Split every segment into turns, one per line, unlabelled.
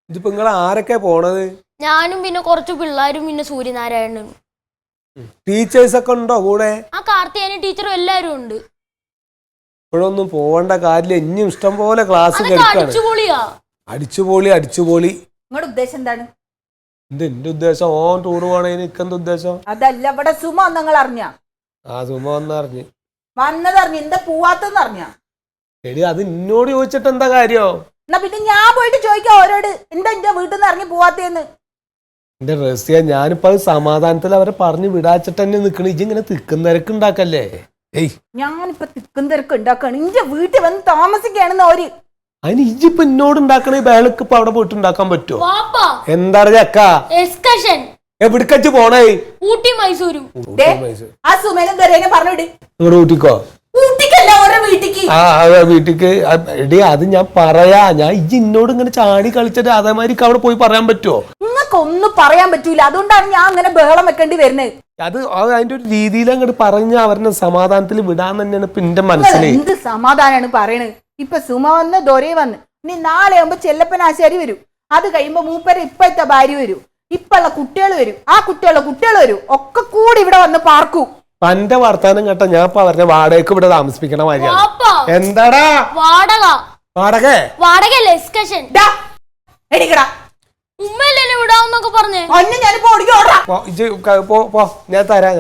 ഇതിപ്പോ നിങ്ങൾ ആരൊക്കെ പോണത്?
ഞാനും പിന്നെ കുറച്ച് പിള്ളേരും പിന്നെ സൂര്യനാരായണനും.
ടീച്ചേഴ്സ് ഒക്കെ ഉണ്ടോ കൂടെ?
ആ കാർത്തിയാനി ടീച്ചറും എല്ലാരും ഉണ്ട്.
ഇപ്പോഴൊന്നും പോവേണ്ട കാര്യമില്ല, ഇനിയും ഇഷ്ടം പോലെ ക്ലാസ് അടിച്ചുപൊളി.
നിങ്ങളുടെ ഉദ്ദേശം എന്താണ്?
എന്റെ ഉദ്ദേശം ഓൻ ടൂർ പോണേ. എനിക്കെന്ത് ഉദ്ദേശം?
അതല്ല, ഇവിടെ സുമ നിങ്ങൾ അറിഞ്ഞ?
സുമ വന്നറിഞ്ഞ്
എന്താ പോവാത്തെന്ന് അറിഞ്ഞ?
എടി അത് എന്നോട് ചോദിച്ചിട്ട് എന്താ കാര്യം?
എന്നാ പിന്നെ ഞാൻ പോയിട്ട് ചോദിക്കാം ഓരോട്, എന്താ എന്റെ വീട്ടിൽ നിന്ന് ഇറങ്ങി പോവാത്തേന്ന്.
എന്റെ റസിയ, ഞാനിപ്പോ അത് സമാധാനത്തിൽ അവരെ പറഞ്ഞു വിടാച്ചിട്ട് തന്നെ നിക്കണ. ഇങ്ങനെ തിക്കും തിരക്ക് ഉണ്ടാക്കല്ലേ?
ഞാനിപ്പോ തിക്കും തിരക്ക് ഉണ്ടാക്കാണ്. ഇന്റെ വീട്ടിൽ വന്ന് താമസിക്കാണെന്ന് ഓര്.
അതിന് ഇജിപ്പോ എന്നോട് ഉണ്ടാക്കണ ബേളക്ക് ഇപ്പൊ അവിടെ പോയിട്ട് ഉണ്ടാക്കാൻ പറ്റുമോ? എന്താണ് ചക്ക? എവിടക്കച്ച് പോണേ?
ഊട്ടി മൈസൂരും.
ആ സുമേനും ദൊരേനെ പറഞ്ഞിട്.
നിങ്ങളുടെ ഊട്ടിക്കോ? വീട്ടിക്ക്. എടി അത് ഞാൻ പറയാ, ഞാൻ ഇന്നോട് ഇങ്ങനെ ചാടി കളിച്ചിട്ട് അതേമാതിരി അവിടെ പോയി പറയാൻ പറ്റുമോ?
നിങ്ങൾക്കൊന്നും പറയാൻ പറ്റൂല, അതുകൊണ്ടാണ് ഞാൻ അങ്ങനെ ബഹളം വെക്കേണ്ടി വരുന്നത്.
അത് അതിന്റെ ഒരു രീതിയിൽ അങ്ങോട്ട് പറഞ്ഞ അവരുടെ സമാധാനത്തിൽ വിടാൻ തന്നെയാണ് ഇപ്പൊ എന്റെ മനസ്സിൽ.
എന്ത് സമാധാനാണ് പറയണത്? ഇപ്പൊ സുമ വന്ന് ദൊരേ വന്ന്, ഇനി നാളെ ആകുമ്പോ ചെല്ലപ്പൻ ആശാരി വരും. അത് കഴിയുമ്പോ മൂപ്പര് ഇപ്പോഴത്തെ ഭാര്യ വരും, ഇപ്പുള്ള കുട്ടികൾ വരും, ആ കുട്ടികൾ വരും, ഒക്കെ കൂടി ഇവിടെ വന്ന് പാർക്കൂ.
തന്റെ വർത്താനം കേട്ട ഞാൻ ഇപ്പൊ അവരുടെ വാടകയ്ക്ക് ഇവിടെ താമസിക്കണ മാതിരിയാണ്. എന്താടാ വാടക? ഞാൻ തരാം.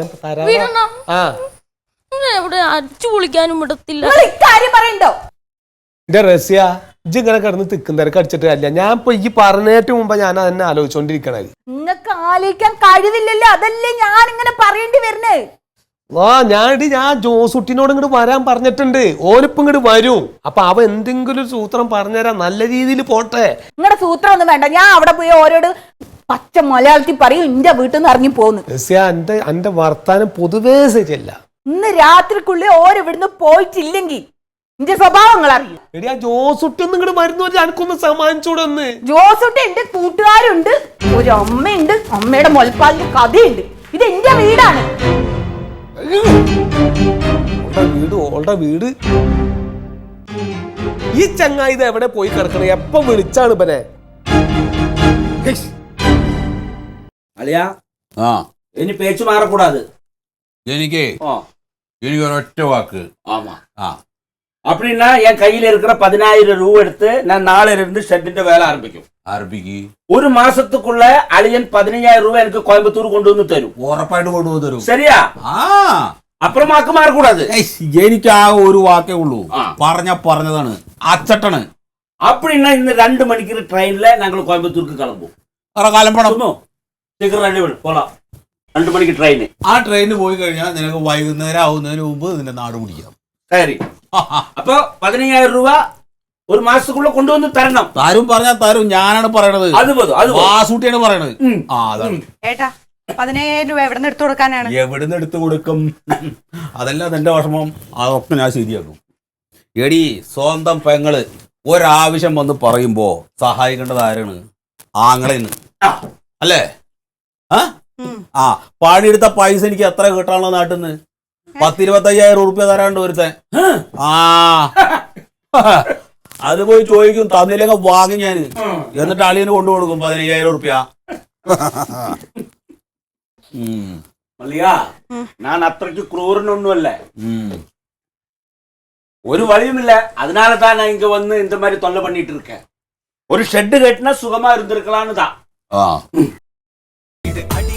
അടിച്ചു പൊളിക്കാനും വിടത്തില്ല.
എന്റെ റസിയ, ഇജ്ജ് ഇങ്ങനെ കിടന്ന് തിക്കും തിരക്ക് അടിച്ചിട്ട് അല്ല. ഞാൻ ഇപ്പൊ ഈ പറഞ്ഞേറ്റ് മുമ്പ് ഞാൻ അതന്നെ ആലോചിച്ചോണ്ടിരിക്കണേ.
നിങ്ങൾക്ക് ആലോചിക്കാൻ കഴിവില്ലല്ലോ, അതല്ലേ ഞാൻ ഇങ്ങനെ പറയേണ്ടി വരുന്നേ.
ഞാൻ ജോസുട്ടിനോട് ഇങ്ങോട്ട് വരാൻ പറഞ്ഞിട്ടുണ്ട്. ഓനിപ്പം ഇങ്ങോട്ട് വരും. അപ്പൊ അവ എന്തെങ്കിലും ഒരു സൂത്രം പറഞ്ഞുതരാം, നല്ല രീതിയിൽ പോട്ടെ.
നിങ്ങളുടെ സൂത്രം ഒന്നും വേണ്ട, ഞാൻ അവിടെ പോയി ഓരോട് പച്ച മലയാളത്തിൽ പറയും എന്റെ വീട്ടിൽ നിന്ന് ഇറങ്ങി പോന്നു.
എന്റെ വർത്താനം പൊതുവേ ശരിയല്ല.
ഇന്ന് രാത്രിക്കുള്ളിൽ ഓരോ ഇവിടുന്ന് പോയിട്ടില്ലെങ്കിൽ എന്റെ സ്വഭാവങ്ങൾ അറിയും.
എടി ആ ജോസുട്ടി ഒന്നും ഇങ്ങോട്ട് വരുന്ന എനിക്കൊന്ന് സമ്മാനിച്ചൂടൊന്ന്.
ജോസുട്ടി എന്റെ കൂട്ടുകാരുണ്ട്, ഒരു അമ്മയുണ്ട്, അമ്മയുടെ മുലപ്പാലിന്റെ കഥയുണ്ട്. ഇത് എന്റെ വീടാണ്.
വീട് ഈ ചങ്ങായി ഇത് എവിടെ പോയി കിടക്കണേ? എപ്പം വിളിച്ചാണ് ഇവനെ?
അളിയാ, ഇനി പേച്ചു മാറക്കൂടാது.
എനിക്ക് ഒരൊറ്റ വാക്ക്.
அப்படின்னா என் கையில இருக்கிற 10,000 ரூபா எடுத்து நான் நாளையில இருந்து ஷெட்டிന്റെ வேலை ஆரம்பிக்கும். ஒரு மாசத்துக்குள்ள அழியன் 15,000 ரூபாய் எனக்கு கோயம்புத்தூர் கொண்டு வந்து தரும்.
ഉറപ്പായിട്ട് കൊണ്ടുവന്ന് തരും.
சரியா? അപ്പുറമാക്ക് മാറക്കൂടാது.
എനിക്ക് ആ ഒരു വാക്കേ ഉള്ളൂ. പറഞ്ഞതാണ്, അച്ചട്ടണ്.
அப்படின்னா இந்த 2 மணிக்கு ட்ரெயின்ல நாங்கள் கோயம்புத்தூருக்கு கிளம்புவோம். சீக்கிரம் ரெடி பண்ணு, போலாம். 2 மணிக்கு ட்ரெயின்.
ആ ട്രെയിനിന് പോയി കഴിഞ്ഞാൽ നിനക്ക് വൈകുന്നേരം ആവുന്നതിന് മുമ്പ് നിന്റെ നാട് പിടിക്കാം.
சரி, அப்போ 15,000 ரூபா ഒരു മാസത്തുക്കുള്ള കൊണ്ടുവന്ന് തരണം.
താരും പറഞ്ഞാൽ തരും, ഞാനാണ് പറയണത്. വാസൂട്ടിയാണ് പറയണത്.
ഏട്ടാ, 15,000 രൂപ എവിടെ നിന്ന് എടുത്തു കൊടുക്കാനാണ്?
എവിടുന്ന് എടുത്തു കൊടുക്കും? അതല്ല നിന്റെ വിഷമം, അതൊക്കെ ഞാൻ ശരിയാക്കും. എടി, സ്വന്തം പെങ്ങള് ഒരാവശ്യം വന്ന് പറയുമ്പോ സഹായിക്കേണ്ടത് ആരാണ്? ആങ്ങളെന്ന് അല്ലേ? പണിയെടുത്ത പൈസ എനിക്ക് എത്ര കിട്ടാനുള്ള നാട്ടിൽ നിന്ന്? 10,000-25,000 റുപ്യ തരാണ്ട് ഒരുത്തൻ. അത് പോയി ചോദിക്കും, തന്നില്ലെങ്കിൽ വാങ്ങി ഞാൻ. എന്നിട്ട് അളിയന് കൊണ്ടുകൊടുക്കും 15,000 റുപ്യ.
ഞാൻ അത്രയ്ക്ക് ക്രൂരനൊന്നുമല്ല. ഒരു വഴിയുമില്ല, அதனால தான் நான் இங்க வந்து இந்த மாதிரி தொல்லை பண்ணிட்டு இருக்கேன். ஒரு ஷெட் கட்டினா சுகமா இருந்திருக்கலாம்னு தான்.